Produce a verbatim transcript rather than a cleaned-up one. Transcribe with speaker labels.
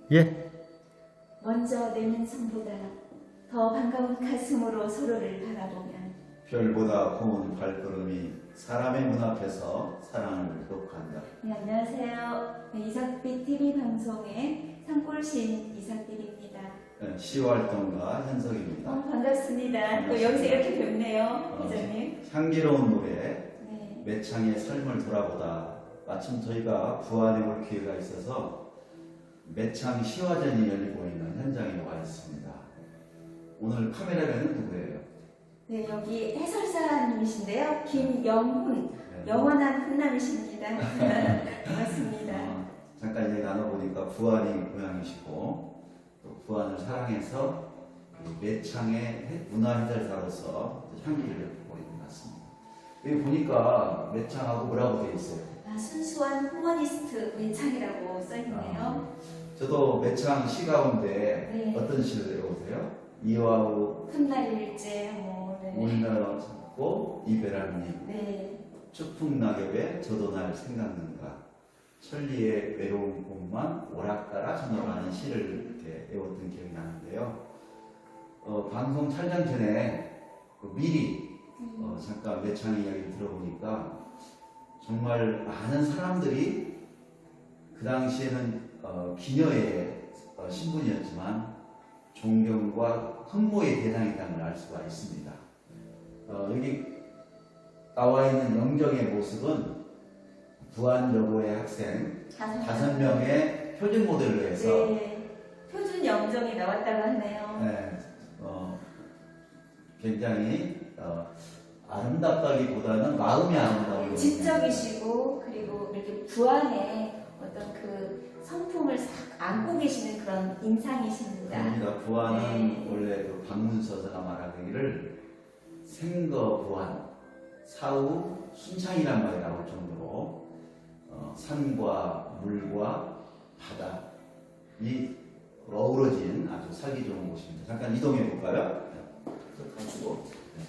Speaker 1: 예,
Speaker 2: 먼저 내는 손보다 더 반가운 가슴으로 서로를 바라보면
Speaker 3: 별보다 고운 발걸음이 사람의 문 앞에서 사랑을 독한다.
Speaker 2: 네, 안녕하세요. 네, 이삭빛 티비 방송의 산골신 이삭빛입니다.
Speaker 3: 네, 시활동가 현석입니다.
Speaker 2: 어, 반갑습니다. 또
Speaker 3: 반갑습니다.
Speaker 2: 여기서 이렇게 뵙네요,
Speaker 3: 어,
Speaker 2: 기자님.
Speaker 3: 향기로운 노래
Speaker 2: 네.
Speaker 3: 매창의 삶을 돌아보다 마침 저희가 부안에 올 기회가 있어서 매창 시화전이 열리고 있는 현장에 와 있습니다. 오늘 카메라맨은 누구예요?
Speaker 2: 네, 여기 해설사님이신데요. 김영훈,
Speaker 3: 네.
Speaker 2: 영원한 훈남이십니다. 반갑습니다.
Speaker 3: 어, 잠깐 얘기 나눠보니까 부안이 고향이시고 또 부안을 사랑해서 매창의 문화해설사로서 향기를 보고 있는 것 같습니다. 여기 보니까 매창하고 뭐라고 되어 있어요?
Speaker 2: 아, 순수한 후머니스트 매창이라고 써있네요.
Speaker 3: 아, 저도 매창 시 가운데
Speaker 2: 네.
Speaker 3: 어떤 시를 외우세요? 이와우
Speaker 2: 훗날일제 뭐 네.
Speaker 3: 우리나라 찾고 이베라님
Speaker 2: 네.
Speaker 3: 추풍낙엽에 저도 날 생각는가 천리의 외로운 곳만 오락가라 전어라는 시를 이렇게 외웠던 기억이 나는데요. 어, 방송 촬영 전에 그 미리 어, 잠깐 매창 이야기를 들어보니까 정말 많은 사람들이 그 당시에는 어, 기녀의 어, 신분이었지만 존경과 흠모의 대상이라는 걸 알 수가 있습니다. 어, 여기 나와 있는 영정의 모습은 부안여고의 학생 다섯 명의 표준 모델로 해서
Speaker 2: 네. 표준 영정이 나왔다고 하네요.
Speaker 3: 네, 어, 굉장히 어, 아름답다기보다는 마음이 아름다운
Speaker 2: 지적이시고 그리고 이렇게 부안의 어떤 그 성품을 싹 안고 계시는 그런 인상이십니다.
Speaker 3: 그럽니다. 부안은
Speaker 2: 네.
Speaker 3: 원래 그 박문서사가 말하기를 생거 부안 사후 순창이란 말이 나올 정도로 어, 산과 물과 바다 이 어우러진 아주 살기 좋은 곳입니다. 잠깐 이동해 볼까요? 가지고